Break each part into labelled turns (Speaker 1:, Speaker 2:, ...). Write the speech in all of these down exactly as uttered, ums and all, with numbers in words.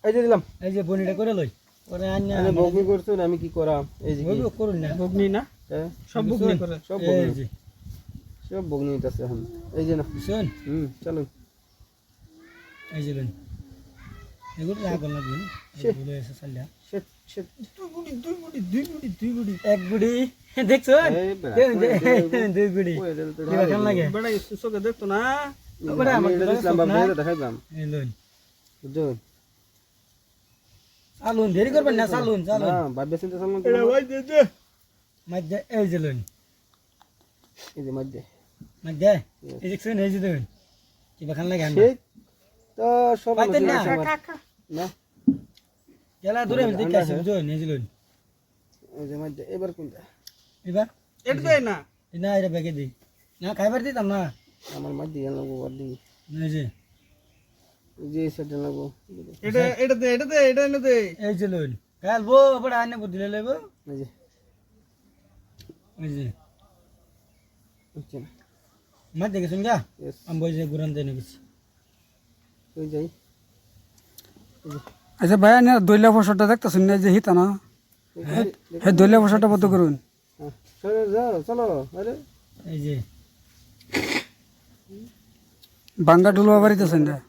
Speaker 1: এই যে দিলাম
Speaker 2: এই যে বনিটা করে লই পরে আন্না
Speaker 1: আমি বগনি করছুন আমি কি করাম এই যে
Speaker 2: বগনি করুন না
Speaker 3: বগনি না
Speaker 1: হ্যাঁ
Speaker 3: সব বগনি করে
Speaker 1: সব
Speaker 2: এই
Speaker 1: বগনি
Speaker 2: যে
Speaker 1: সব বগনি আছে এখন এই যে না
Speaker 2: শুন
Speaker 1: হুম চলুন
Speaker 2: এই যে লই এগুলো রাগ লাগবে না বলে এসে চালিয়া
Speaker 1: শেট শেট
Speaker 3: দুই বুড়ি দুই বুড়ি দুই বুড়ি দুই বুড়ি
Speaker 2: এক বুড়ি দেখছো
Speaker 1: এই বেড়া,
Speaker 2: দুই বুড়ি
Speaker 1: ওই এটা তো
Speaker 2: কি বাখান লাগে
Speaker 3: বড় চোখে দেখতো না
Speaker 2: ওটা
Speaker 1: আমি
Speaker 2: আমার
Speaker 1: এটা দিলাম বাবা এটা দেখাইলাম
Speaker 2: এই লই
Speaker 1: বুঝছেন
Speaker 2: চালুন দেরি করবেন না চালুন চালুন
Speaker 1: না ভাববে চিন্তা চালান
Speaker 3: এটা ভাই দে দে
Speaker 2: মধ্যে এই যে লই
Speaker 1: এই যে মধ্যে
Speaker 2: মধ্যে এই যে শুন এই যে দেন কি বাখান লাগে আমরা
Speaker 1: সেই তো সব
Speaker 2: পাইতেন না?
Speaker 1: না
Speaker 2: এলা দূরে আমি দেখে আসি বুঝুন এই যে লই
Speaker 1: এই যে মধ্যে এবার কোনটা
Speaker 2: এবার
Speaker 3: এটা দেয় না
Speaker 2: না এটা ব্যাগে দিই না খাইবার দিতাম না
Speaker 1: আমার মধ্যে এর লাগবো আর দিই
Speaker 2: এই যে
Speaker 1: এই যে সেটা লাগবো
Speaker 3: এটা এটা দে এটা দে এটা এনে দে
Speaker 2: এই যে লই কাল বো বড় আনে বুদ্ধি লইব
Speaker 1: এই যে
Speaker 2: এই যে
Speaker 1: বুঝছেন
Speaker 2: মধ্যে গেছুন গা
Speaker 1: Yes.
Speaker 2: আমি বই যে গুরান দেনে গেছি
Speaker 1: ওই যাই
Speaker 4: আচ্ছা ভাইয়া না দইলা ফসলটা দেখতেছেন না যে হিতা না হ্যাঁ দইলা ফসলটা বন্ধ করুন
Speaker 1: হ্যাঁ চলো যাও চলো আরে
Speaker 2: এই যে
Speaker 4: বাঙ্গা ডুলবা বাড়িতেছেন না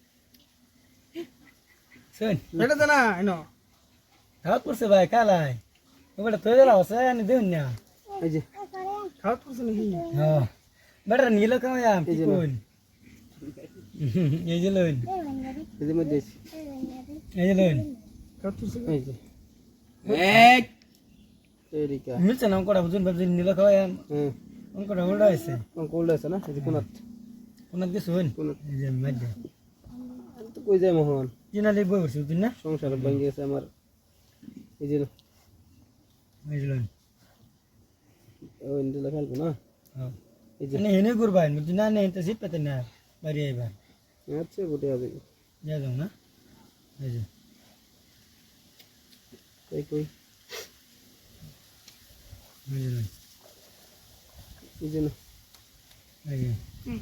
Speaker 2: শুন
Speaker 3: এটা দে না এনো
Speaker 2: খাওয়া করছে ভাই কালাই ওটা তো দিলা আছে আনি দেউন না
Speaker 1: এই যে
Speaker 3: খাওয়া করছ নাকি
Speaker 2: হ্যাঁ বেটা নিল কামায়া কি কোন এই যে লইন
Speaker 1: এই যে মধ্যে
Speaker 2: এই যে লইন
Speaker 3: খাওয়া করছ
Speaker 1: এই যে
Speaker 2: এক
Speaker 1: এরিকা
Speaker 2: মিলছে না কোটা বুঝুন ভাবছি নিল কামায়া
Speaker 1: হ্যাঁ
Speaker 2: কোনটা উল্টা আছে
Speaker 1: কোন কোল্ড আছে না এই যে কোনাত
Speaker 2: কোন দিকে শুন
Speaker 1: কোনাত
Speaker 2: এই যে মধ্যে
Speaker 1: আমি তো কই যাই মোহন
Speaker 2: কিনা লই বই বসে তুই না
Speaker 1: সংসার ভেঙে গেছে আমার এই যে
Speaker 2: এই যে লইন
Speaker 1: ওই ইন্ডিয়া খেলবো না
Speaker 2: হ্যাঁ
Speaker 1: এই যে
Speaker 2: নে হেনে করবাই বুঝি না নে তো জিত পেতে না বাড়ি আইবা
Speaker 1: আচ্ছা গোটে হবে
Speaker 2: যা যাও না এই যে
Speaker 1: কই কই
Speaker 2: এই যে লইন
Speaker 1: এই যে না
Speaker 2: এই যে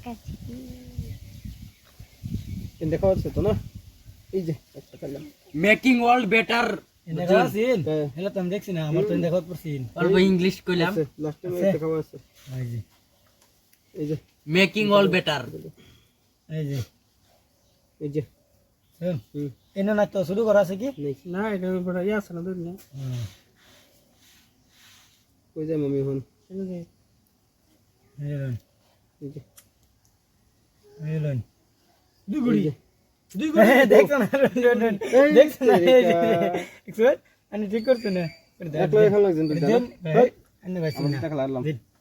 Speaker 1: এন দেখা হচ্ছে তো না এই যে একটা খেললাম
Speaker 5: মেকিং ওয়ার্ল্ড বেটার
Speaker 2: এনে গাছিন
Speaker 1: হ্যাঁ।
Speaker 2: হেলা তুমি দেখছি না আমার তো দেখাত পড়ছিন
Speaker 5: অল্প ইংলিশ কইলাম
Speaker 1: লাস্ট টাইম
Speaker 2: আছে।
Speaker 1: দেখা আছে
Speaker 2: এই যে
Speaker 1: এই যে
Speaker 5: মেকিং ওয়ার্ল্ড বেটার
Speaker 2: এই যে
Speaker 1: এই যে
Speaker 2: শুন
Speaker 1: হুম
Speaker 2: এনে না তো শুরু করা আছে কি
Speaker 1: নেই
Speaker 3: না এটা বড় ইয়া আছে না দে না
Speaker 2: হ্যাঁ
Speaker 1: কই যায় মামি হন
Speaker 3: এনে দে
Speaker 2: এই যে লইন
Speaker 1: এই যে
Speaker 2: এই যে লইন
Speaker 3: দুই বুড়ি
Speaker 1: এই যে।
Speaker 3: দুই বুড়ি
Speaker 2: দেখছ না দেখছ না এই যে দেখছ আমি ঠিক করছ না
Speaker 1: একলা এখন লাগছেন তো
Speaker 2: দেন ভাই আন্নে ভাই
Speaker 1: আমার টাকা লাগলাম
Speaker 2: দিন